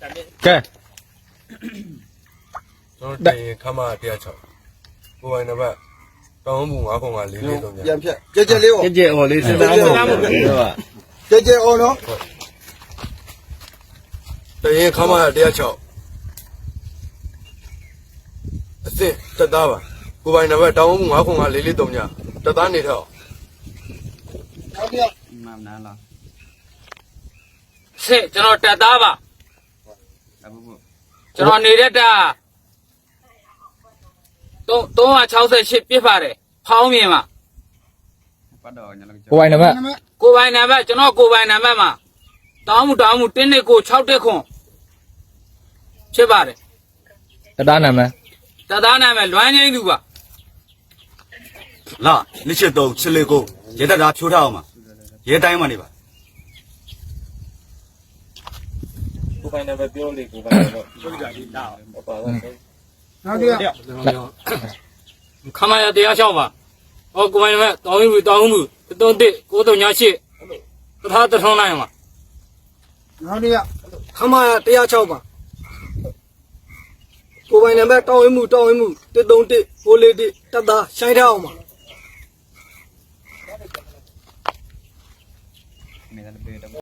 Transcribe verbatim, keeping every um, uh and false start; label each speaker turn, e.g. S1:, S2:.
S1: ကဲ
S2: ကျွန်တော်တင်ခမတရားချောက်ကိုယ်ပိုင်နံပါတ်တောင်းမှုငါးခုငါလေးလေးတော့ပြန်
S3: ပြန်ဖြတ်ကြက်ကြက်လေးပေါ့
S1: ကြက်ကြက်အော်လေးစဉ်းစားမှုဟုတ်ကဲ့
S3: ကြက်ကြက်အောင်နော်
S2: တင်ခမတရားချောက်အစ်စ်တက်သားပါကိုယ်ပိုင်နံပါတ်တောင်းမှုငါးခုငါလေးလေးတော့ညတက်သားနေတော့
S3: နောက်တစ်ယောက်
S4: မှန်လားလား
S5: စစ်ကျွန်တော်တက်သားပါ
S4: အခုခု
S5: ကျွန်တော်နေတဲ့တာသုံး၃၆၈ပြစ်ပါတယ်ဖောင်းမြင်ပါ
S4: ပတ်တော့ညလုံး
S1: ကိုပိုင်နံပါတ်
S5: ကိုယ်ပိုင်နံပါတ်ကျွန်တော်ကိုယ်ပိုင်နံပါတ်မှာတောင်းမှုတောင်းမှုတင်းနှစ်ကို၆တက်ခွန်ဖြစ်ပါတယ်
S1: တသားနံပါတ်
S5: တက်သားနာမည်လွမ်းငိမ့်သူပါ
S6: လာနှစ်ချက်သုံးချစ်လေးကိုရဲတပ်သားဖြိုးထားအောင်ပါရဲတိုင်းမှနေပါ
S2: ကိုယ်ပိုင်နံပါတ်ပြောလေကိုယ်ပိုင်နံပါတ်ပြောကြပြီတာဟုတ်ပါတော့
S3: နောက်တစ်ယောက်
S5: ခမရတရားလျှောက်ပါဟောကိုယ်ပိုင်နံပါတ်တောင်းမှုတောင်းမှုသုံးတစ်ကိုသုံးညရှစ်တထားတထုံးလိုက်ပါ
S3: နောက်တစ်ယောက်
S7: ခမရတရားချောက်ပါကိုယ်ပိုင်နံပါတ်တောင်းဝင်းမှုတောင်းဝင်းမှုတစ်သုံးတစ်ကိုလေးတစ်တက်သားရှိုင်းထားအောင်ပါ
S4: နေတယ်ပြေတော့